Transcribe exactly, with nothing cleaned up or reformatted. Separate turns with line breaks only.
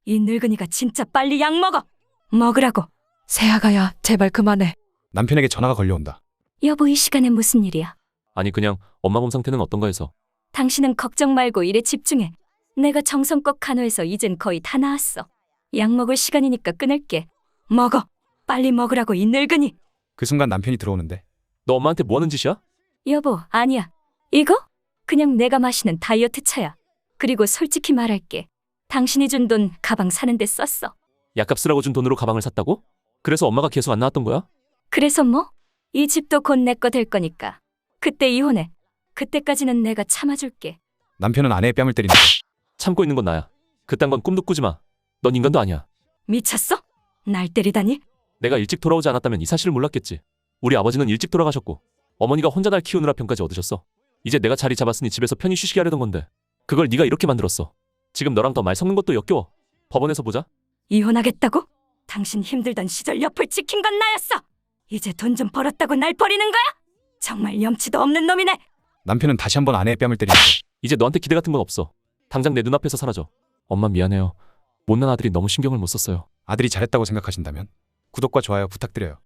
이 늙은이가 진짜 빨리 약 먹어. 먹으라고.
세아가야, 제발 그만해.
남편에게 전화가 걸려온다.
여보, 이 시간에 무슨 일이야?
아니 그냥 엄마 몸 상태는 어떤가 해서.
당신은 걱정 말고 일에 집중해. 내가 정성껏 간호해서 이젠 거의 다 나았어. 약 먹을 시간이니까 끊을게. 먹어. 빨리 먹으라고, 이 늙은이.
그 순간 남편이 들어오는데
너 엄마한테 뭐 하는 짓이야?
여보, 아니야. 이거? 그냥 내가 마시는 다이어트 차야. 그리고 솔직히 말할게. 당신이 준 돈 가방 사는데 썼어.
약값 쓰라고 준 돈으로 가방을 샀다고? 그래서 엄마가 계속 안 나왔던 거야?
그래서 뭐? 이 집도 곧 내 거 될 거니까. 그때 이혼해. 그때까지는 내가 참아줄게.
남편은 아내의 뺨을 때리는데
참고 있는 건 나야. 그딴 건 꿈도 꾸지 마. 넌 인간도 아니야.
미쳤어? 날 때리다니?
내가 일찍 돌아오지 않았다면 이 사실을 몰랐겠지. 우리 아버지는 일찍 돌아가셨고 어머니가 혼자 날 키우느라 병까지 얻으셨어. 이제 내가 자리 잡았으니 집에서 편히 쉬시게 하려던 건데 그걸 네가 이렇게 만들었어. 지금 너랑 더 말 섞는 것도 역겨워. 법원에서 보자.
이혼하겠다고? 당신 힘들던 시절 옆을 지킨 건 나였어. 이제 돈 좀 벌었다고 날 버리는 거야? 정말 염치도 없는 놈이네.
남편은 다시 한번 아내의 뺨을 때리는데
이제 너한테 기대 같은 건 없어. 당장 내 눈앞에서 사라져. 엄마 미안해요. 못난 아들이 너무 신경을 못 썼어요.
아들이 잘했다고 생각하신다면 구독과 좋아요 부탁드려요.